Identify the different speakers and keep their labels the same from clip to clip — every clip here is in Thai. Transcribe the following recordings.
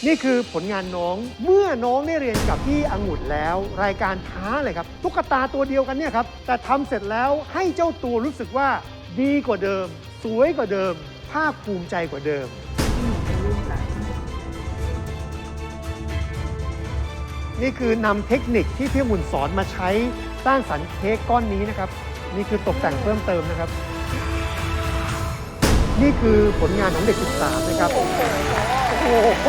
Speaker 1: นี่คือผลงานน้องเมื่อน้องได้เรียนกับพี่องุ่นแล้ว รายการท้าเลยครับตุ๊กตาตัวเดียวกันเนี่ยครับแต่ทำเสร็จแล้วให้เจ้าตัวรู้สึกว่าดีกว่าเดิม สวยกว่าเดิม ภาคภูมิใจกว่าเดิม นี่คือนำเทคนิคที่พี่องุ่นสอนมาใช้สร้างสรรค์เค้กก้อนนี้นะครับนี่คือตกแต่งเพิ่มเติมนะครับ นี่คือผลงานของเด็ก13นะครับโอ้โห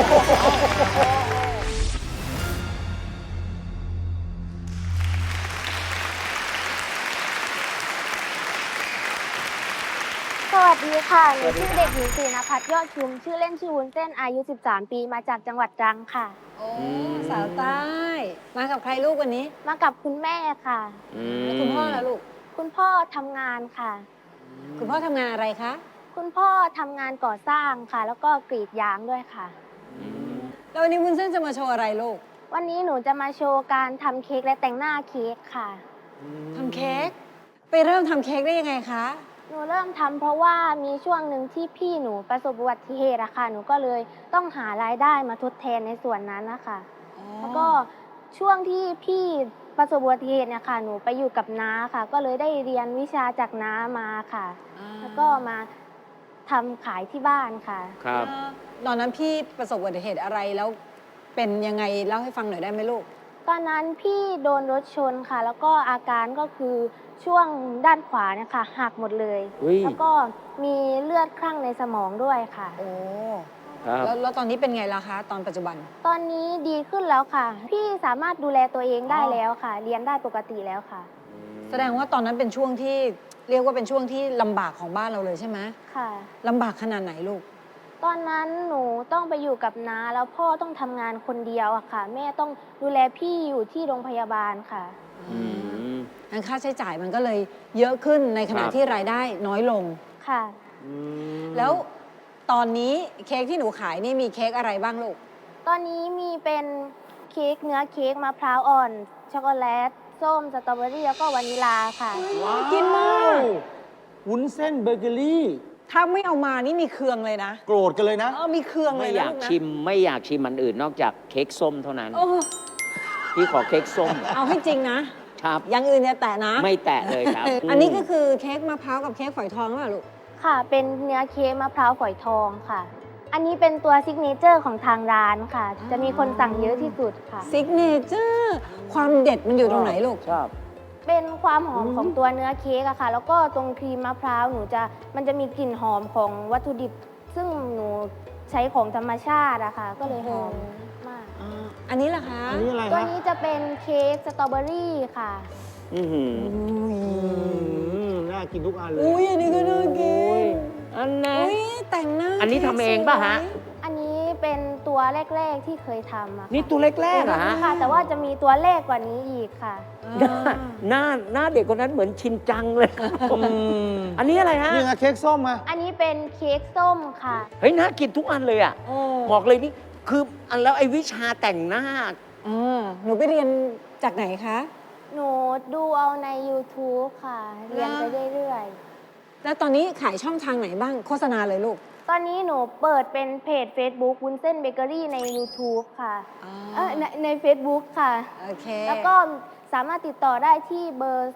Speaker 2: สวัสดีค่ะหนูชื่อเด็กหญิงศรีนภัสยอดชุมชื่อเล่นชื่อวุ้นเส้นอายุ 13 ปีมาจากจังหวัดตรังค่ะ
Speaker 3: โอ้สาวใต้ มากับใครลูกวันนี้
Speaker 2: มากับคุณแม่ค่ะ
Speaker 3: แล้วคุณพ่อล่ะลูก
Speaker 2: คุณพ่อทำงานค่ะ
Speaker 3: คุณพ่อทำงานอะไรคะ
Speaker 2: คุณพ่อทำงานก่อสร้างค่ะ แล้วก็กรีดยางด้วยค่ะ
Speaker 3: แล้ววันนี้วุ้นเส้นจะมาโชว์อะไรลูก
Speaker 2: วันนี้หนูจะมาโชว์การทำเค้กและแต่งหน้าเค้กค่ะ
Speaker 3: ทำเค้ก ไปเริ่มทำเค้กได้ยังไงคะ
Speaker 2: หนูเริ่มทำเพราะว่ามีช่วงหนึ่งที่พี่หนูประสบอุบัติเหตุอะค่ะหนูก็เลยต้องหารายได้มาทดแทนในส่วนนั้นนะคะแล้วก็ช่วงที่พี่ประสบอุบัติเหตุเนี่ยค่ะหนูไปอยู่กับน้าค่ะ ก็เลยได้เรียนวิชาจากน้ามาค่ะ แล้วก็มาทำขายที่บ้านค่ะ
Speaker 4: ครับ
Speaker 3: ตอนนั้นพี่ประสบอุบัติเหตุอะไรแล้วเป็นยังไงเล่าให้ฟังหน่อยได้ไหมลูก
Speaker 2: ตอนนั้นพี่โดนรถชนค่ะ แล้วก็อาการก็คือช่วงด้านขวาเนี่ยค่ะหักหมดเลย
Speaker 4: อุ๊ย
Speaker 2: แล้วก็มีเลือดคลั่งในสมองด้วยค่ะ
Speaker 3: โอ้
Speaker 4: ครับ
Speaker 3: แล้วตอนนี้เป็นไงล่ะคะ ตอนปัจจุบัน
Speaker 2: ตอนนี้ดีขึ้นแล้วค่ะ พี่สามารถดูแลตัวเองได้แล้วค่ะ เรียนได้ปกติแล้วค่ะ
Speaker 3: แสดงว่าตอนนั้นเป็นช่วงที่เรียกว่าเป็นช่วงที่ลำบากของบ้านเราเลยใช่ไหม
Speaker 2: ค่ะ
Speaker 3: ลำบากขนาดไหนลูก
Speaker 2: ตอนนั้นหนูต้องไปอยู่กับน้าแล้วพ่อต้องทำงานคนเดียวอะค่ะ แม่ต้องดูแลพี่อยู่ที่โรงพยาบาลค่ะ
Speaker 4: อืม
Speaker 3: งั้นค่าใช้จ่ายมันก็เลยเยอะขึ้นในขณะ
Speaker 4: ครับ
Speaker 3: ที่รายได้น้อยลง
Speaker 2: ค่ะ
Speaker 3: แล้วตอนนี้เค้กที่หนูขายนี่มีเค้กอะไรบ้างลูก
Speaker 2: ตอนนี้มีเป็นเค้กเนื้อเค้กมะพร้าวอ่อน ช็อกโกแลต ส้ม สตรอเบอรี่แล้วก็วานิลาค่ะ
Speaker 4: ว้าว
Speaker 3: กินมาก
Speaker 5: วุ้นเส้นเบเกอรี่
Speaker 3: ถ้าไม่เอามานี่มีเครื่องเลยนะ
Speaker 5: โกรธกันเลยนะ
Speaker 3: มีเครื่องเล
Speaker 4: ไม่
Speaker 3: ย
Speaker 4: อ
Speaker 3: นะ
Speaker 4: ยาก
Speaker 3: ลูกนะ
Speaker 4: ชิมไม่อยากชิมอันอื่นนอกจากเค้กส้มเท่านั้น
Speaker 3: โอ้
Speaker 4: พี่ขอเค้กส้ม
Speaker 3: เอาให้จริงนะ
Speaker 4: ครับ
Speaker 3: อย่างอื่นเนี่ยแตะนะ
Speaker 4: ไม่แตะเลยครับ
Speaker 3: อันนี้ก็คือเค้กมะพร้าวกับเค้กฝอยทองหรือเปล่าลูก
Speaker 2: ค่ะ เป็นเนื้อเค้กมะพร้าวฝอยทองค่ะ อันนี้เป็นตัวซิกเนเจอร์ของทางร้านค่ะ จะมีคนสั่งเยอะที่สุดค่ะ
Speaker 3: ซิกเนเจอร์ความเด็ดมันอยู่ตรงไหนลูก
Speaker 4: ชอบ
Speaker 2: เป็นความหอมของตัวเนื้อเค้กอะค่ะ แล้วก็ตรงครีมมะพร้าวมันจะมีกลิ่นหอมของวัตถุดิบ ซึ่งหนูใช้ของธรรมชาติอะค่ะ ก็เลยหอมมาก
Speaker 3: อันนี้ล่ะคะ
Speaker 5: อันนี้อะไร
Speaker 2: ตัว
Speaker 5: ฮะ
Speaker 2: นี้จะเป็นเค้กสตรอเบอรี่ค่ะ
Speaker 4: อือหือ
Speaker 5: น่ากินทุกอันเลย
Speaker 3: อุ้ยอันนี้ก็น่ากิน
Speaker 4: อันนั้น
Speaker 3: อุ้ยแต่งหน้า
Speaker 4: อันนี้ทำเองป่ะฮะ
Speaker 2: อันนี้เป็นตัวแรก ๆที่เคยทำอะค่ะ
Speaker 4: นี่ตัวแรกๆเหรอฮะ
Speaker 2: ค่ะ แต่ว่าจะมีตัวเลขกว่านี้อีกค่ะ
Speaker 4: หน้าเด็กคนนั้นเหมือนชินจังเลยอันนี้อะไรฮะ
Speaker 5: นี่ไงเค้กส้มมา
Speaker 2: อันนี้เป็นเค้กส้มค่ะ
Speaker 4: เฮ้ยน่ากินทุกอันเลยอ่ะ
Speaker 3: โอ้
Speaker 4: บอกเลยนี่คืออันแล้วไอ้วิชาแต่งหน้า
Speaker 3: หนูไปเรียนจากไหนคะ
Speaker 2: หนูดูเอาใน YouTube ค่ะ เรียนไปเรื่อย
Speaker 3: แล้วตอนนี้ขายช่องทางไหนบ้างโฆษณาเลยลูก
Speaker 2: ๆ ตอนนี้หนูเปิดเป็นเพจ Facebook วุ้นเส้นเบเกอรี่ใน YouTube ค่ะใน Facebook ค่ะ
Speaker 3: โอเค
Speaker 2: แล้วก็สามารถติดต่อได้ที่เบอร์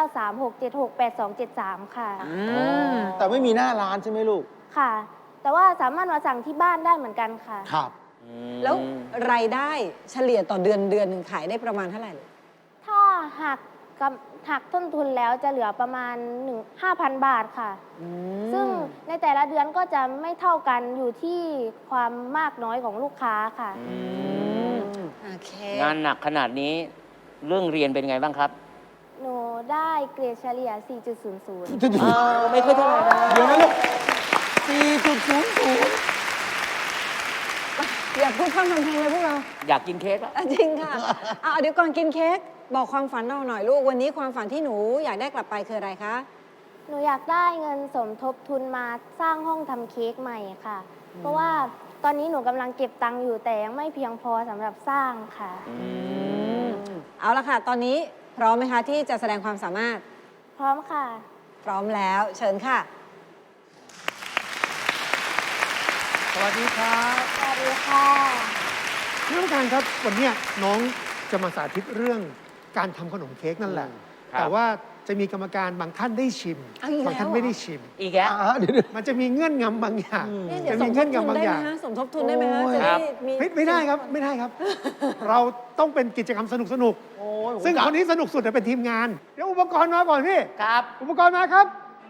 Speaker 2: 0936768273 ค่ะ
Speaker 5: แต่ไม่มีหน้าร้านใช่ไหมลูก
Speaker 2: ค่ะ แต่ว่าสามารถมาสั่งที่บ้านได้เหมือนกันค่ะ
Speaker 5: ครับ
Speaker 3: แล้วรายได้เฉลี่ยต่อเดือนหนึ่งขายได้ประมาณเท่าไหร่ลูก
Speaker 2: ถ้าหักต้นทุนแล้วจะเหลือประมาณ 5,000 บาทค่ะ ซึ่งในแต่ละเดือนก็จะไม่เท่ากันอยู่ที่ความมากน้อยของลูกค้าค่ะ
Speaker 3: โอเค
Speaker 4: งานหนักขนาดนี้เรื่องเรียนเป็นไงบ้างครับ
Speaker 2: หนูได้เกรดเฉลี่ย 4.00
Speaker 4: ไม่ค่อยเท่าไหร่นะ
Speaker 5: เดี๋ยวนะลูก 4.00
Speaker 3: อยากพูดพร่ำทำเพลงเลยพวกเรา
Speaker 4: อยากกินเค้กแล้ว
Speaker 3: จริงค่ะ เดี๋ยวก่อนกินเค้กบอกความฝันเราหน่อยลูก วันนี้ความฝันที่หนูอยากได้กลับไปคืออะไรคะ
Speaker 2: หนูอยากได้เงินสมทบทุนมาสร้างห้องทำเค้กใหม่ค่ะ เพราะว่าตอนนี้หนูกำลังเก็บตังค์อยู่แต่ยังไม่เพียงพอสำหรับสร้างค่ะ
Speaker 3: เอาละค่ะ ตอนนี้พร้อมไหมคะที่จะแสดงความสามารถ
Speaker 2: พร้อมค่ะ
Speaker 3: พร้อมแล้วเชิญค่ะ
Speaker 5: สวัสดีครับ
Speaker 2: สวัสดีค่ะ
Speaker 1: ท่านผู้การครับวันเนี้ยน้องจะมาสาธิตเรื่องการทำขนมเค้กนั่นแหละ
Speaker 4: ครับ
Speaker 1: แต่ว่าจะมีกรรมการบางท่านได้ชิม
Speaker 3: เอาอีกแล้ว
Speaker 1: บางท่านไม่ได้ชิม
Speaker 4: อีกแล้ว
Speaker 5: เดี๋ยว
Speaker 1: มันจะมีเงื่อนงำบางอย่าง
Speaker 3: เนี่ยเดี๋ย
Speaker 1: จะ
Speaker 3: วส
Speaker 1: มี
Speaker 3: มท
Speaker 1: เงื่อบ น
Speaker 3: ทุน
Speaker 1: งำบาง
Speaker 3: ได้
Speaker 1: อ
Speaker 3: ไหม
Speaker 1: ย่าง
Speaker 3: ฮะสมทบทุนได้ไหมฮะ
Speaker 5: โอ้ย
Speaker 3: จะได้มี
Speaker 1: ไม่ได้ครับไม่ได้ครับ เราต้องเป็นกิจกรรมสนุก
Speaker 5: โอ้ย
Speaker 1: ๆซึ่งคนนี้สนุกสุดเป็นทีมงาน เดี๋ยวอุปกรณ์มาก่อนพี่
Speaker 4: ครับ
Speaker 1: อุปกรณ์มาครับ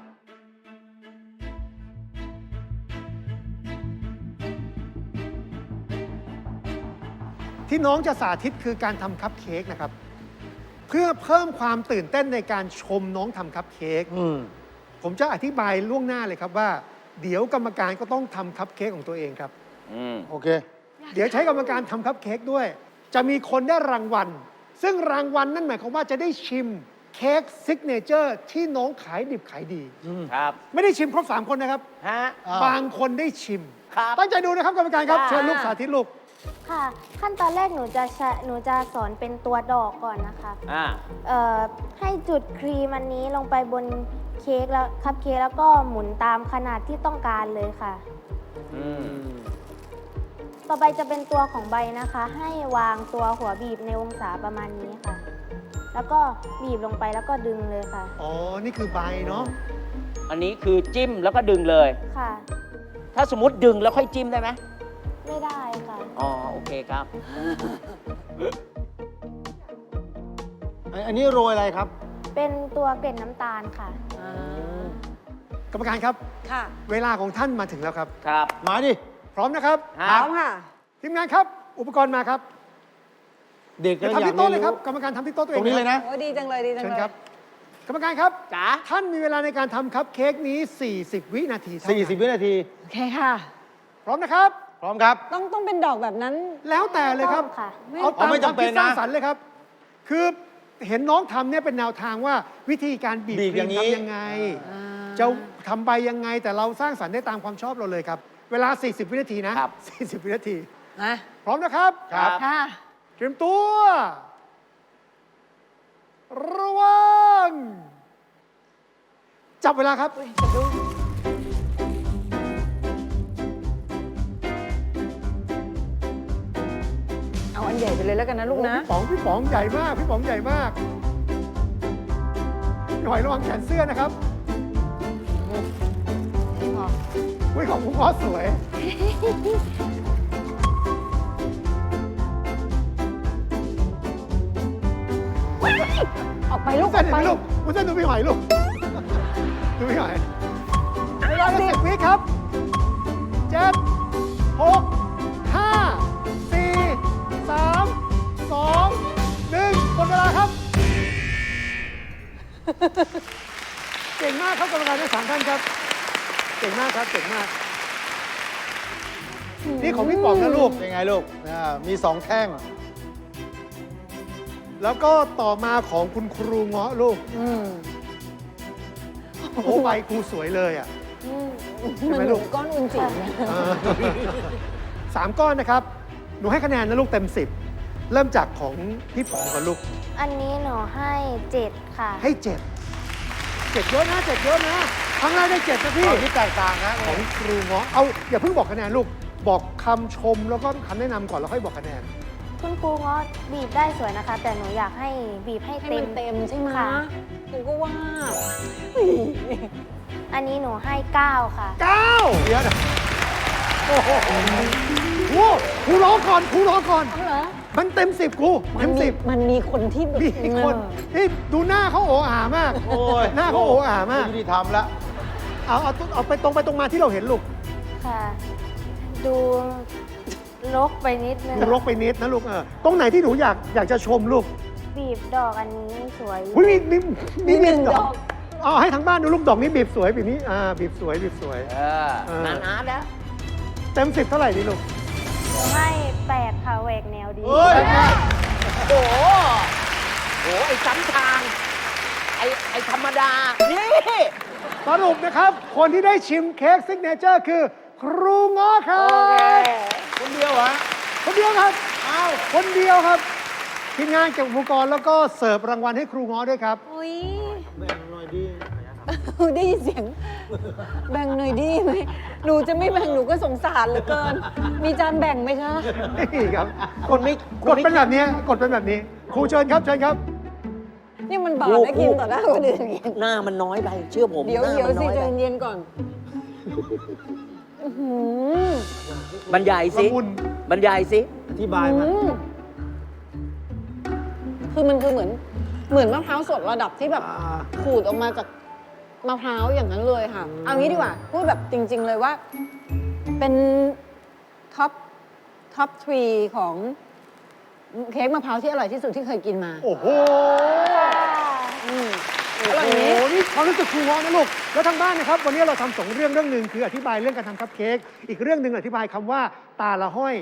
Speaker 1: ที่น้องจะสาธิตคือการทำคัพเค้กนะครับ เพื่อเพิ่มความตื่นเต้นในการชมน้องทำคัพเค้ก
Speaker 5: อืม
Speaker 1: ผมจะอธิบายล่วงหน้าเลยครับว่า เดี๋ยวกรรมการก็ต้องทำคัพเค้กของตัวเองครับ
Speaker 4: อืม
Speaker 5: โอเค
Speaker 1: เดี๋ยวใช้กรรมการทำคัพเค้กด้วย จะมีคนได้รางวัล ซึ่งรางวัลนั่นหมายความว่าจะได้ชิมเค้กซิกเนเจอร์ที่น้องขายดิบขายดี
Speaker 4: ครับ
Speaker 1: ไม่ได้ชิมครบ3 คนนะครับ
Speaker 4: ฮะ
Speaker 5: อ้าว
Speaker 1: บางคนได้ชิม
Speaker 4: ครับ
Speaker 1: ตั้งใจดูนะครับกรรมการครับ
Speaker 4: ค่ะ
Speaker 1: เชิญลูกสาธิตลูก
Speaker 2: ค่ะ ขั้นตอนแรกหนูจะสอนเป็นตัวดอกก่อนนะคะ
Speaker 4: อ่า
Speaker 2: ให้จุดครีมอันนี้ลงไปบนเค้กแล้วคัพเค้กแล้วก็หมุนตามขนาดที่ต้องการเลยค่ะ
Speaker 4: อืม
Speaker 2: ต่อไปจะเป็นตัวของใบนะคะ ให้วางตัวหัวบีบในองศาประมาณนี้ค่ะ แล้วก็บีบลงไปแล้วก็ดึงเลยค่ะ
Speaker 1: อ๋อ นี่คือใบเนาะ
Speaker 4: อันนี้คือจิ้มแล้วก็ดึงเลย
Speaker 2: ค่ะ
Speaker 4: ถ้าสมมติดึงแล้วค่อยจิ้มได้ไหม
Speaker 2: ไม่ได้ค่ะ
Speaker 4: อ๋อ โอเคครับ
Speaker 5: อันนี้โรยอะไรครับ
Speaker 2: เป็นตัวเกล็ดน้ำตาลค่ะ
Speaker 1: กรรมการครับ
Speaker 3: ค่ะ
Speaker 1: เวลาของท่านมาถึงแล้วครับ
Speaker 4: ครับ
Speaker 5: มาดิ
Speaker 1: พร้อมนะครับ
Speaker 3: พร้อมค่ะ
Speaker 1: ทีมงานครับ อุปกรณ์มาครับ
Speaker 5: เด็ก
Speaker 1: เดี๋ยว
Speaker 5: ก็อ
Speaker 1: ทำ
Speaker 5: ยาก
Speaker 1: ที่โต๊ะ
Speaker 5: เรี
Speaker 1: เลย ย
Speaker 5: น
Speaker 1: ครับ
Speaker 5: รู้
Speaker 1: กรรมการทำที่โต๊ะตัวเอ
Speaker 5: ตรง งนี้เลยนะ
Speaker 3: โอ้ดีจังเลยดีจัง
Speaker 1: เชิญ
Speaker 3: เลย
Speaker 1: ครับ กรรมการครับ
Speaker 4: จ๋า
Speaker 1: ท่านมีเวลาในการทำคัพเค้กนี้ 40 วินาทีเท่านั้น
Speaker 5: 40 วินาที
Speaker 3: โอเคค่ะ
Speaker 1: พร้อมนะครับ
Speaker 5: พร้อมครับ
Speaker 3: ต้องเป็นดอกแบบนั้น
Speaker 1: แล้วแต่เลยครับ
Speaker 2: ต้องค่ะ
Speaker 1: เอาตาม
Speaker 5: ไม่
Speaker 1: ความ
Speaker 5: จำเป็
Speaker 1: คิ
Speaker 5: น
Speaker 1: ด
Speaker 5: นะ
Speaker 1: สร้างสรรค์เลยครับ คือเห็นน้องทำเนี่ยเป็นแนวทางว่าวิธีการบีบ
Speaker 5: บีบ
Speaker 1: ครี
Speaker 5: อย่าม งนี้
Speaker 1: ทำยังไง จะทำใบยังไง แต่เราสร้างสรรค์ได้ตามความชอบเราเลยครับ เวลา 40 วินาทีนะครับ 40 วินาที
Speaker 3: นะ
Speaker 1: พร้อมนะครับ
Speaker 4: ครับ
Speaker 3: ค่ะ
Speaker 1: เตรียมตัว ระวัง จับเวลาครับ
Speaker 3: เอาอันใหญ่ไปเลยแล้วกันนะลูกนะ
Speaker 1: พี่ป๋องใหญ่มาก พี่ป๋องใหญ่มากพี่หอยระวังแขนเสื้อนะครับอุ้ยของคุณพ่อสวย
Speaker 3: ออกไปลูก
Speaker 1: เส้น
Speaker 3: ออก
Speaker 1: เห็น
Speaker 3: ไป
Speaker 1: ไหมลูกคุณเส้นดูพี่หอยลูก ดูพี่หอย
Speaker 3: เวลาสิ
Speaker 1: 10 วิครับ7 6 5 4 3 2 1หมดเวลาครับ เก่งมากครับกรรมการทั้ง3ท่านครับ เก่งมากครับ เก่งมาก นี่ของพี่ป๋องนะลูก
Speaker 5: เป็นไงลูกมี 2 แท่ง
Speaker 1: แล้วก็ต่อมาของคุณครูเงาะลูก
Speaker 3: อืม
Speaker 1: โอ้ใบครูสวยเลยอ่ะ ใช่ไหม
Speaker 3: มัน
Speaker 1: ลูก
Speaker 3: ก้อนอุนจิ๋วนะ
Speaker 1: 3 ก้อนนะครับ หนูให้คะแนนนะลูกเต็ม 10 เริ่มจากของพี่ป๋องก่อนลูก
Speaker 2: อันนี้หนูให้7ค่ะ
Speaker 1: ให้7 7เยอะนะ7เยอะนะครั้งแรกได้7นะพี่
Speaker 5: ตอนที่แตกต่างนะ
Speaker 1: ของครูเงาะเอาอย่าเพิ่งบอกคะแนนลูก บอกคำชมแล้วก็คำแนะนำก่อนแล้วค่อยบอกคะแนน
Speaker 2: คุณครูเงาะบีบได้สวยนะคะ แต่หนูอยากให้บีบให้
Speaker 3: ให้
Speaker 2: เต็
Speaker 3: มั
Speaker 2: ม
Speaker 3: นเต็มใช่ไหม
Speaker 2: ค่ะ
Speaker 3: หนูก็ว่า
Speaker 2: อันนี้หนูให้ 9 ค่ะ
Speaker 1: 9เดี๋ยวนะโอ้โหครูครูรอก่อนครูรอก่อน
Speaker 3: เอาเหรอ
Speaker 1: มันเต็ม 10ครู
Speaker 3: มั
Speaker 1: เต็ม
Speaker 3: มี
Speaker 1: 10
Speaker 3: มันมีคนที่แบบ
Speaker 1: มีคนที่ดูหน้าเขาโออามาก
Speaker 5: โอ้ย
Speaker 1: หน้าเขาโออามาก
Speaker 5: ยุติธรรมละ
Speaker 1: เอาไปตรงมาที่เราเห็นลูก
Speaker 2: ค่ะ ดูลกไปนิดนึง
Speaker 1: ดูรกไปนิดนะลูกตรงไหนที่หนูอยากจะชมลูก
Speaker 2: บีบดอกอันนี้สวย
Speaker 1: อุ้ยมี
Speaker 3: มีหนึ่งดอก
Speaker 1: เอาให้ทั้งบ้านดูลูกดอกนี้บีบสวยบีบนี้บีบสวยบีบสวย
Speaker 4: เออนานอาร์ตแล้ว
Speaker 1: เต็ม 10 เท่าไหร่ดีลูก
Speaker 2: หนูให้ 8 ค่ะแหวกแนวดี
Speaker 5: เฮ้ย
Speaker 4: โอ้โหโอ้โหไอ้ซ้ำทาง ไอ้ธรรมดา นี่
Speaker 1: สรุปนะครับ คนที่ได้ชิมเค้กซิกเนเจอร์คือ ครูง้อครั
Speaker 4: โอเค
Speaker 1: บ
Speaker 5: คนเดียวเหรอ
Speaker 1: คนเดียวครับ
Speaker 5: อ้าว
Speaker 1: คนเดียวครับทีมงานเก็บอุปกรณ์แล้วก็เสิร์ฟรางวัลให้ครูง้อด้วยครับ
Speaker 3: อุ้ย
Speaker 5: แบ่งหน่อยดิ
Speaker 3: ได้ยินเสียง แบ่งหน่อยดีไหมหนูจะไม่แบ่งหนูก็สงสารเหลือเกิน มีจานแบ่งไหมคะ
Speaker 1: นี่ครับกด
Speaker 4: ไม่
Speaker 1: กดเป็นแบบนี้กดเป็นแบบนี้ครูเชิญครับเชิญครับ
Speaker 3: นี่มันบาปนะกินต่อหน้าคนอื่นอย่างเงี้ย
Speaker 4: หน้ามันน้อยไปเชื่อผม
Speaker 3: เดี๋ยว
Speaker 4: หน้า
Speaker 3: เดี๋ยว
Speaker 4: มัน
Speaker 3: สิ
Speaker 4: น้อย
Speaker 3: ใจ
Speaker 4: ไป
Speaker 3: เย็นๆก่อนอื้อหือบ
Speaker 4: รรยายสิ
Speaker 1: ละมุน
Speaker 4: บรรยายสิ
Speaker 5: อธิบายมา
Speaker 3: คือมันคือเหมือนมะพร้าวสดระดับที่แบบขูดออกมาจากมะพร้าวอย่างนั้นเลยค่ะ เอางี้ดีกว่า พูดแบบจริง ๆ เลยว่า เป็นท็อป3ของเค้กมะพร้าวที่อร่อยที่สุดที่เคยกินมา
Speaker 1: โอ้โห
Speaker 3: อืมอ
Speaker 1: โอ้
Speaker 3: ร่อย
Speaker 1: โห
Speaker 3: นี้
Speaker 1: นี่ความรู้สึกครูเงาะนะลูก แล้วทางบ้านนะครับ วันนี้เราทำสองเรื่องหนึ่งคืออธิบายเรื่องการทำคัพเค้ก อีกเรื่องหนึ่งอธิบายคำว่าตาละห้อย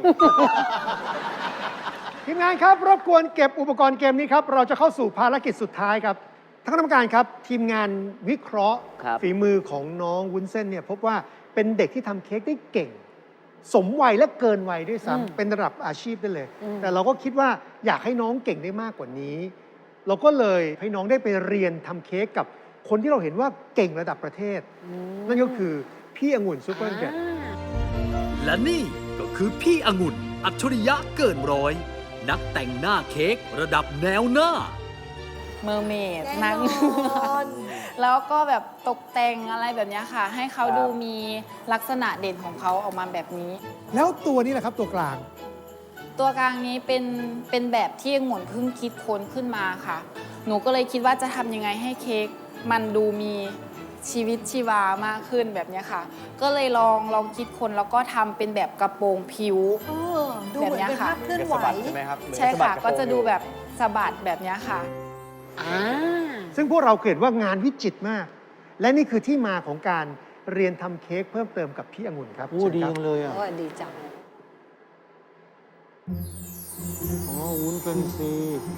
Speaker 1: ทีมงานครับรบกวนเก็บอุปกรณ์เกมนี้ครับ เราจะเข้าสู่ภารกิจสุดท้ายครับท่านคณะกรรมการครับ ทีมงานวิเคราะห์
Speaker 4: ครับ
Speaker 1: ฝีมือของน้องวุ้นเส้นเนี่ยพบว่าเป็นเด็กที่ทำเค้กได้เก่ง สมวัยและเกินวัยด้วย
Speaker 3: อืม
Speaker 1: ซ้ำเป็นระดับอาชีพได้เลย
Speaker 3: อืม
Speaker 1: แต่เราก็คิดว่าอยากให้น้องเก่งได้มากกว่านี้ เราก็เลยให้น้องได้ไปเรียนทำเค้กกับคนที่เราเห็นว่าเก่งระดับประเทศ นั่นก็คือพี่องุ่นซูเปอร์เกรด
Speaker 6: และนี่ก็คือพี่องุ่นอัจฉริยะเกินร้อย นักแต่งหน้าเค้กระดับแนวหน้า
Speaker 7: เมอร์เมดนั่ง แล้วก็แบบตกแต่งอะไรแบบเนี้ยค่ะ ให้เขาดูมีลักษณะเด่นของเขาออกมาแบบนี้
Speaker 1: แล้วตัวนี้แหละครับตัวกลาง
Speaker 7: ตัวกลางนี้เป็นแบบที่องุ่นเพิ่งคิดค้นขึ้นมาค่ะ หนูก็เลยคิดว่าจะทำยังไงให้เค้กมันดูมีชีวิตชีวามากขึ้นแบบเนี้ยค่ะ ก็เลยลองคิดค้นแล้วก็ทำเป็นแบบกระโปรงผิว
Speaker 3: ดูเหมือนเป็นภาพเคลื่อนไหว
Speaker 5: ใช่ไหมครับ
Speaker 7: ใช่ค่ะ ก็จะดูแบบสะบัดแบบเนี้ยค่ะ
Speaker 1: ซึ่งพวกเราเห็นว่างานวิจิตรมาก และนี่คือที่มาของการเรียนทำเค้กเพิ่มเติมกับพี่องุ่นครับ
Speaker 5: โอ้
Speaker 1: เชิญ
Speaker 5: ดี
Speaker 1: ครับ
Speaker 5: จังเลยอ่ะ
Speaker 3: โอ้ดีจัง
Speaker 5: อ๋อ วุ้นเป็นซี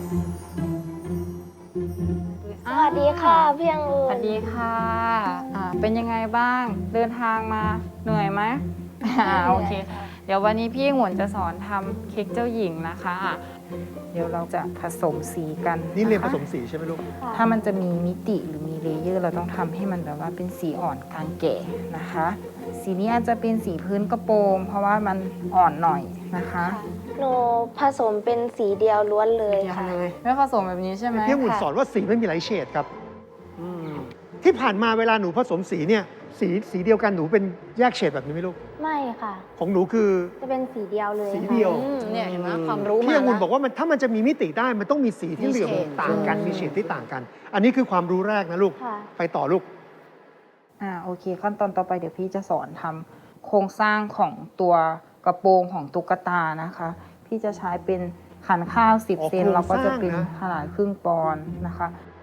Speaker 2: สวัสดีค่ะพี่องุ่
Speaker 8: สวัน สดีค่ะเป็นยังไงบ้าง เดินทางมาเหนื่อยไหม โอเค เดี๋ยววันนี้พี่หงวนจะสอนทำเค้กเจ้าหญิงนะคะเดี๋ยวเราจะผสมสีกัน
Speaker 1: นี่เรียนผ
Speaker 8: ะคะ
Speaker 1: สมสีใช่ไหมลูก
Speaker 8: ถ้ามันจะมีมิติหรือมีเลเยอร์ เราต้องทำให้มันแบบว่าเป็นสีอ่อนกลางแก่นะคะ สีนี้อาจจะเป็นสีพื้นกระโปรง เพราะว่ามันอ่อนหน่อยนะคะ
Speaker 2: หนูผสมเป็นสีเดียวล้วนเลยค่ะ
Speaker 8: ไม่ผสมแบบนี้ใช่ไหม
Speaker 1: พี่องุ่นสอนว่าสีไม่มีหลายเฉดครับ ที่ผ่านมาเวลาหนูผสมสีเนี่ยสีเดียวกันหนูเป็นแยกเฉดแบบนี้ไหมลูก
Speaker 2: ไม่ค่ะ
Speaker 1: ของหนูคือ
Speaker 2: จะเป็นสีเดียวเลย
Speaker 1: สี
Speaker 2: ค่ะ
Speaker 1: เดียว
Speaker 3: เนี่ยเห็นไหมความรู้มา
Speaker 1: พี่องุ่น
Speaker 3: แล้ว
Speaker 1: บอกว่าถ้ามันจะมีมิติได้มันต้องมีสีที่เหลือบต่างกันมีเฉดที่ต่างกัน อันนี้คือความรู้แรกนะลูก
Speaker 2: ค่ะ
Speaker 1: ไปต่อลูก
Speaker 8: โอเค ขั้นตอนต่อไปเดี๋ยวพี่จะสอนทำโครงสร้างของตัวกระโปรงของตุ๊กตานะคะ พี่จะใช้เป็นขันข้าว
Speaker 1: อ๋อ
Speaker 8: 10 เซน
Speaker 1: โครง
Speaker 8: เราก็จะเป็น
Speaker 1: สร้างนะ
Speaker 8: ขนาดครึ่งปอนด์นะคะ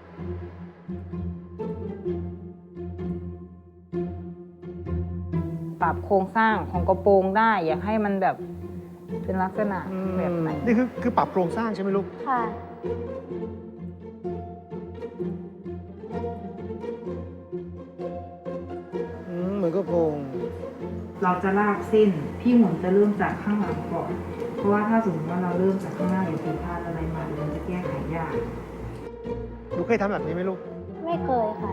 Speaker 8: ปรับโครงสร้างของกระโปรงได้ อยากให้มันแบบเป็นลักษณะแบบไหน
Speaker 1: นี่คือปรับโครงสร้างใช่ไหมลูก
Speaker 2: ค่ะ
Speaker 5: เหมือนกระโปรง
Speaker 8: เราจะลากเส้น พี่หมุนจะเริ่มจากข้างหลังก่อน เพราะว่าถ้าสมมติว่าเราเริ่มจากข้างหน้าอยู่ผิดพลาดอะไรมาเดี๋ยวมันจะแก้ไขยาก
Speaker 1: หนูเคยทำแบบนี้ไหมลูก
Speaker 2: ไม่เคยค่ะ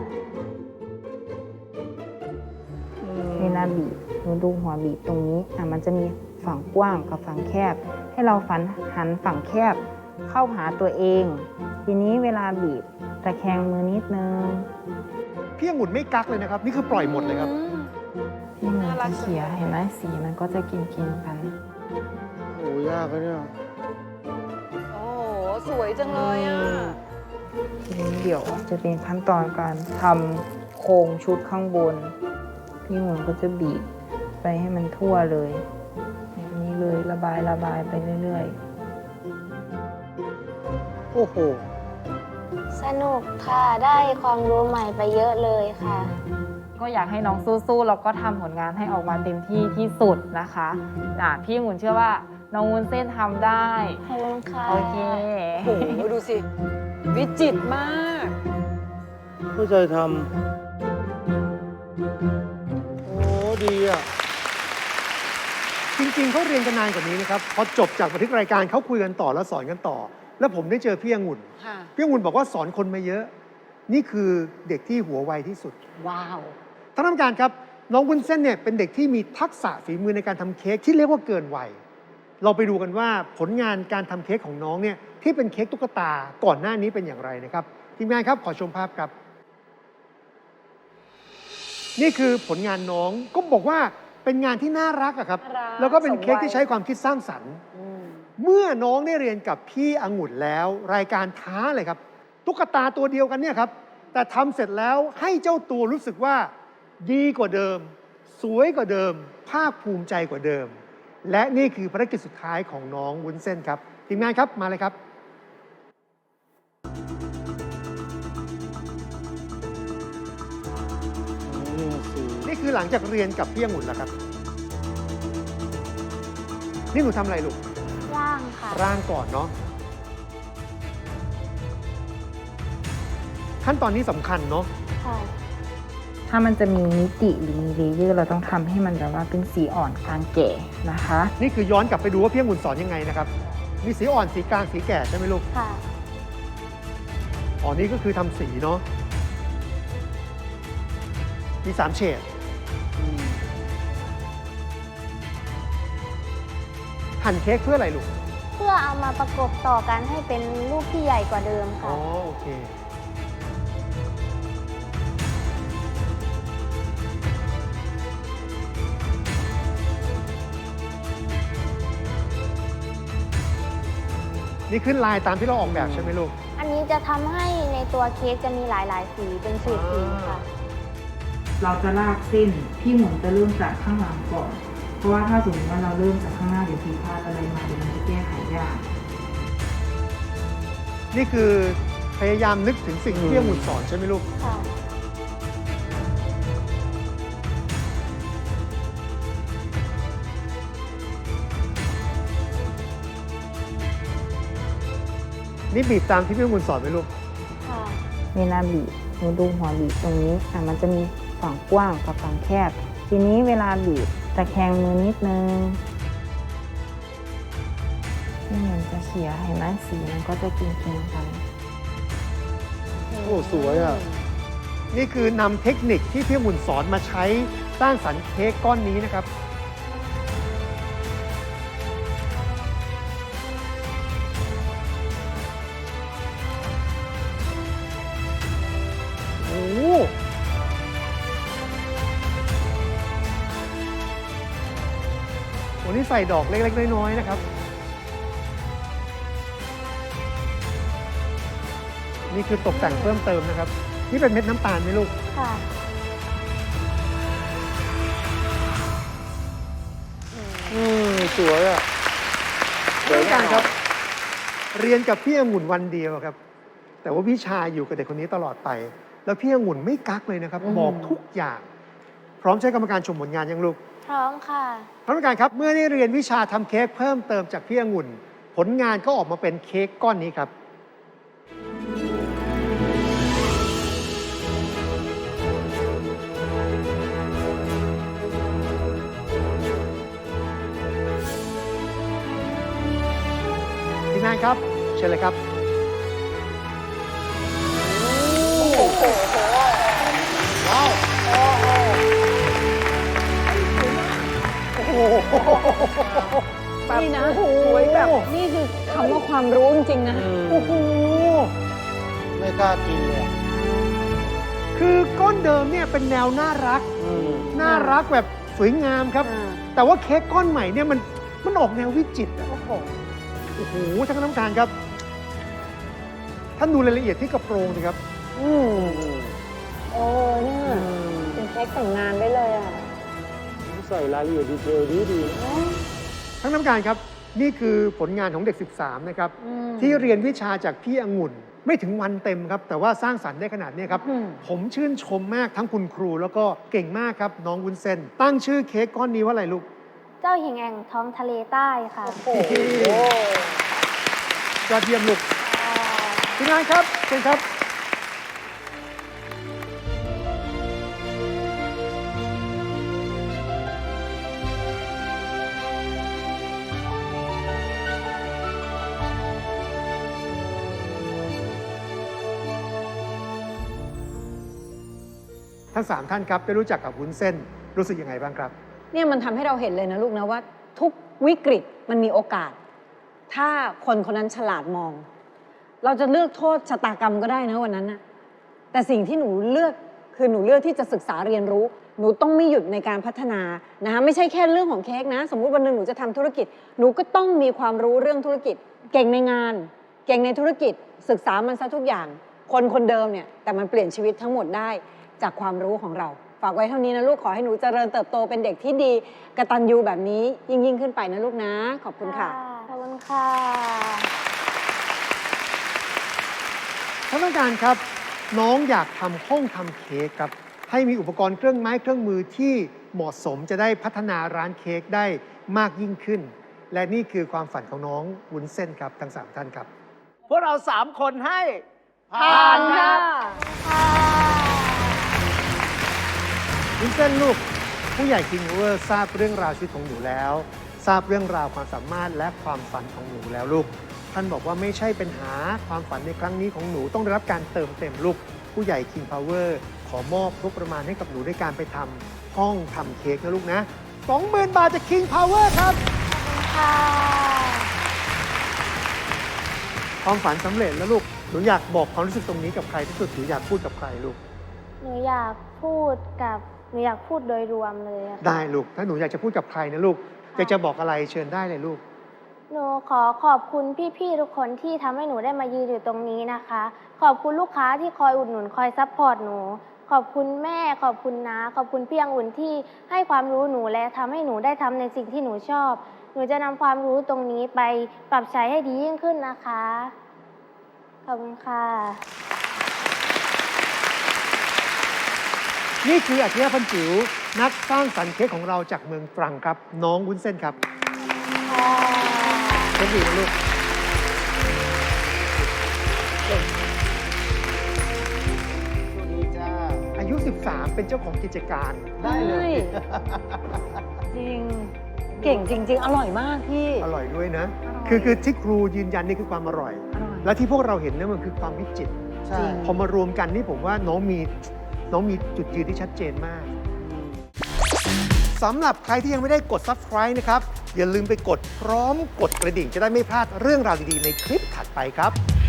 Speaker 8: เวลาบีบหนูดูหัวบีบตรงนี้มันจะมีฝั่งกว้างกับฝั่งแคบ ให้เราหันฝั่งแคบเข้าหาตัวเอง ทีนี้เวลาบีบตะแคงมือนิดนึง
Speaker 1: พี่องุ่นไม่กักเลยนะครับ นี่คือปล่อยหมดเลยครับ
Speaker 8: พี่หมุนจะเขี่ยเห็นไหมสีมันก็จะกินกัน
Speaker 5: โอ้ยากเลยเนี่ย
Speaker 3: โอ้โห สวยจังเลยอ่ะ
Speaker 8: ทีนี้เดี๋ยวจะเป็นขั้นตอนการทำโครงชุดข้างบน พี่หมุนก็จะบีบไปให้มันทั่วเลยแบบนี้เลยระบายไปเรื่อยๆ
Speaker 5: โอ้โห
Speaker 2: สนุกค่ะ ได้ความรู้ใหม่ไปเยอะเลยค่ะ
Speaker 8: ก็อยากให้น้องสู้ๆแล้วก็ทำผลงานให้ออกมาเต็มที่ที่สุดนะคะพี่องุ่นเชื่อว่าน้องวุ้นเส้นทำได้
Speaker 2: ขอบคุณค่ะ
Speaker 8: โอเค
Speaker 3: โอ้โห ดูสิ วิจิตรมาก
Speaker 5: เข้าใจทำ โอ้ดีอ่ะ
Speaker 1: จริงๆเขาเรียนกันนานกว่านี้นะครับ พอจบจากบันทึกรายการเขาคุยกันต่อแล้วสอนกันต่อ แล้วผมได้เจอพี่องุ่น
Speaker 3: ค่ะ
Speaker 1: พี่องุ่นบอกว่าสอนคนมาเยอะ นี่คือเด็กที่หัวไวที่สุด
Speaker 3: ว้าว
Speaker 1: ท่านผู้การครับน้องวุ้นเส้นเนี่ยเป็นเด็กที่มีทักษะฝีมือในการทำเค้กที่เรียกว่าเกินวัย เราไปดูกันว่าผลงานการทำเค้กของน้องเนี่ยที่เป็นเค้กตุ๊กตาก่อนหน้านี้เป็นอย่างไรนะครับทีมงานครับขอชมภาพครับ นี่คือผลงานน้องก็บอกว่าเป็นงานที่น่ารักอะครับ
Speaker 3: น่ารัก
Speaker 1: แล้วก็เป็นเค้ก
Speaker 3: สมวัย
Speaker 1: ที่ใช้ความคิดสร้างสรรค์ เมื่อน้องได้เรียนกับพี่องุ่นแล้ว รายการท้าเลยครับ ตุ๊กตาตัวเดียวกันเนี่ยครับ แต่ทำเสร็จแล้วให้เจ้าตัวรู้สึกว่าดีกว่าเดิม สวยกว่าเดิม ภาคภูมิใจกว่าเดิม และนี่คือภารกิจสุดท้ายของน้องวุ้นเส้นครับทีมงานครับมาเลยครับ
Speaker 5: นี่สิ
Speaker 1: นี่คือหลังจากเรียนกับพี่องุ่นแล้วครับ นี่หนูทำอะไรลูก
Speaker 2: ร่างค่ะ
Speaker 1: ร่างก่อนเนาะขั้นตอนนี้สำคัญเนาะ
Speaker 2: ค่ะ
Speaker 8: ถ้ามันจะมีมิติหรือมีเลเยอร์เราต้องทำให้มันแบบว่าเป็นสีอ่อนกลางแก่นะคะ
Speaker 1: นี่คือย้อนกลับไปดูว่าพี่องุ่นสอนยังไงนะครับ มีสีอ่อนสีกลางสีแก่ใช่ไหมลูก
Speaker 2: ค่ะ
Speaker 1: อ๋อนี่ก็คือทำสีเนาะมี3 เฉดหั่นเค้กเพื่ออะไรลูก
Speaker 2: เพื่อเอามาประกบต่อกันให้เป็นรูปที่ใหญ่กว่าเดิม
Speaker 1: อ๋
Speaker 2: ค่ะ
Speaker 1: อโอเคนี่ขึ้นลายตามที่เราออกแบบใช่ไหมลูก
Speaker 2: อันนี้จะทำให้ในตัวเค้กจะมีหลาย ๆ สีเป็นเฉดสีค่ะ
Speaker 8: เราจะลากเส้นพี่หมุนจะเริ่มจากข้างหลังก่อน เพราะว่าถ้าสมมติว่าเราเริ่มจากข้างหน้าเดี๋ยวผิดพลาดอะไรมาเดี๋ยวมันจะแก้ไขยาก
Speaker 1: นี่คือพยายามนึกถึงสิ่งที่พี่องุ่นสอนใช่ไหมลูก
Speaker 2: ค่ะ
Speaker 1: นี่บีบตามที่พี่องุ่นสอนไหมลูก
Speaker 2: ค่ะ
Speaker 8: เวลาบีบหนูดูหัวบีบตรงนี้มันจะมีฝั่งกว้างกับฝั่งแคบ ทีนี้เวลาบีบตะแคงมือนิดนึงที่มันจะเขียเห็นไหมสีมันก็จะกินกัน
Speaker 5: โอ้สวยอ่ะ
Speaker 1: นี่คือนำเทคนิคที่พี่องุ่นสอนมาใช้สร้างสรรค์เค้กก้อนนี้นะครับ โอ้โหวันนี้ใส่ดอกเล็ก ๆ น้อย ๆ นะครับ นี่คือตกแต่งเพิ่มเติมนะครับ นี่เป็นเม็ดน้ำตาลไหมลูก
Speaker 2: ค่ะ
Speaker 5: สวยอ่ะ
Speaker 1: เรื่องการครับ เรียนกับพี่องุ่นวันเดียวครับ แต่ว่าวิชาอยู่กับเด็กคนนี้ตลอดไป แล้วพี่องุ่นไม่กักเลยนะครับ บอกทุกอย่าง พร้อมใช้กรรมการชมผลงานยังลูก
Speaker 2: พร้อมค่ะ
Speaker 1: ท่านผู้การครับ เมื่อได้เรียนวิชาทำเค้กเพิ่มเติมจากพี่องุ่น ผลงานก็ออกมาเป็นเค้กก้อนนี้ครับ ทีมงานครับ เชิญเลยครับ
Speaker 3: นี่นะสวยแบบนี่คือคำว่าความรู้จริงๆนะ
Speaker 1: โอ้โห
Speaker 5: ไม่กล้ากินเลยอะ
Speaker 1: คือก้อนเดิมเนี่ยเป็นแนวน่ารัก น่ารักแบบสวยงามครับ แต่ว่าเค้กก้อนใหม่เนี่ยมันออกแนววิจิตรอะโอ้โหท่านคณะกรรมการครับ ท่านดูรายละเอียดที่กระโปรงสิครับ
Speaker 3: โอ้เนี่ยเป็นเค้กแต่งงานได้เลยอ่ะ
Speaker 5: ใส่รายละเอียดดีเทลดีๆนะ
Speaker 1: ท่านคณะกรรมการครับ นี่คือผลงานของเด็ก 13 นะครับ ที่เรียนวิชาจากพี่องุ่น ไม่ถึงวันเต็มครับ แต่ว่าสร้างสรรค์ได้ขนาดนี้ครับ ผมชื่นชมมากทั้งคุณครูแล้วก็เก่งมากครับ น้องวุ้นเส้น ตั้งชื่อเค้กก้อนนี้ว่าอะไรลูก
Speaker 2: เจ้าหญิงแห่งท้องทะเลใต้ค่ะ
Speaker 1: ยอดเยี่ยมลูกทีมงานครับเชิญครับ ทั้ง 3 ท่านครับได้รู้จักกับวุ้นเส้นรู้สึกยังไงบ้างครับ
Speaker 3: เนี่ยมันทำให้เราเห็นเลยนะลูกนะว่าทุกวิกฤตมันมีโอกาส ถ้าคนคนนั้นฉลาดมอง เราจะเลือกโทษชะตากรรมก็ได้นะวันนั้นนะแต่สิ่งที่หนูเลือกคือหนูเลือกที่จะศึกษาเรียนรู้ หนูต้องไม่หยุดในการพัฒนานะคะไม่ใช่แค่เรื่องของเค้กนะ สมมุติวันหนึ่งหนูจะทำธุรกิจ หนูก็ต้องมีความรู้เรื่องธุรกิจ เก่งในงาน เก่งในธุรกิจ ศึกษามันซะทุกอย่าง คนคนเดิมเนี่ยแต่มันเปลี่ยนชีวิตทั้งหมดได้จากความรู้ของเรา ฝากไว้เท่านี้นะลูกขอให้หนูเจริญเติบโตเป็นเด็กที่ดีกตัญญูแบบนี้ยิ่งขึ้นไปนะลูกนะ ขอบคุณค่ะ
Speaker 2: ขอบคุณค่ะ
Speaker 1: ท่านผู้การครับ น้องอยากทำห้องทำเค้กครับ ให้มีอุปกรณ์เครื่องไม้เครื่องมือที่เหมาะสมจะได้พัฒนาร้านเค้กได้มากยิ่งขึ้น และนี่คือความฝันของน้องวุ้นเส้นครับทั้ง 3 ท่านครับ
Speaker 4: พวกเรา 3 คนให้
Speaker 3: ผ่านค่ะ
Speaker 1: วุ้นเส้นลูก ผู้ใหญ่คิงเวอร์ทราบเรื่องราวชีวิตของหนูแล้ว ทราบเรื่องราวความสามารถและความฝันของหนูแล้วลูก ท่านบอกว่าไม่ใช่ปัญหาความฝันในครั้งนี้ของหนูต้องได้รับการเติมเต็มลูก ผู้ใหญ่ King Power ขอมอบงบประมาณให้กับหนูด้วยการไปทำห้องทำเค้กนะลูกนะ 20,000 บาทจาก King Power ครับ
Speaker 2: ค่ะ
Speaker 1: ความฝันสำเร็จแล้วลูก หนูอยากบอกความรู้สึกตรงนี้กับใครที่สุดหรืออยากพูดกับใครลูก
Speaker 2: หนูอยากพูดโดยรวมเลยอะค่ะ
Speaker 1: ได้ลูก ถ้าหนูอยากจะพูดกับใครนะลูกอยากจะบอกอะไรเชิญได้เลยลูก
Speaker 2: หนูขอขอบคุณพี่ๆทุกคนที่ทำให้หนูได้มายืนอยู่ตรงนี้นะคะ ขอบคุณลูกค้าที่คอยอุดหนุนคอยซัพพอร์ตหนู ขอบคุณแม่ขอบคุณน้าขอบคุณพี่องุ่นที่ให้ความรู้หนูและทำให้หนูได้ทำในสิ่งที่หนูชอบ หนูจะนำความรู้ตรงนี้ไปปรับใช้ให้ดียิ่งขึ้นนะคะ ขอบคุณค่ะ
Speaker 1: นี่คืออัจฉริยะพันจิ๋วนักสร้างสรรค์เค้กของเราจากเมืองตรังครับ น้องวุ้นเส้นครับเค้กดีนะลูกอายุ 13 เป็นเจ้าของกิจการได้เลย
Speaker 3: จริง เก่งจริง ๆ อร่อยมากพี่
Speaker 1: อร่อยด้วยนะ
Speaker 3: อร่อย
Speaker 1: คือที่ครูยืนยันนี่คือความอร่อย
Speaker 3: อร่อย
Speaker 1: และที่พวกเราเห็นนั่นมันคือความวิจิตร
Speaker 5: ใช่
Speaker 1: พอมารวมกันนี่ผมว่าน้องมีจุดยืนที่ชัดเจนมาก สำหรับใครที่ยังไม่ได้กด Subscribe นะครับ อย่าลืมไปกดพร้อมกดกระดิ่งจะได้ไม่พลาดเรื่องราวดีๆในคลิปถัดไปครับ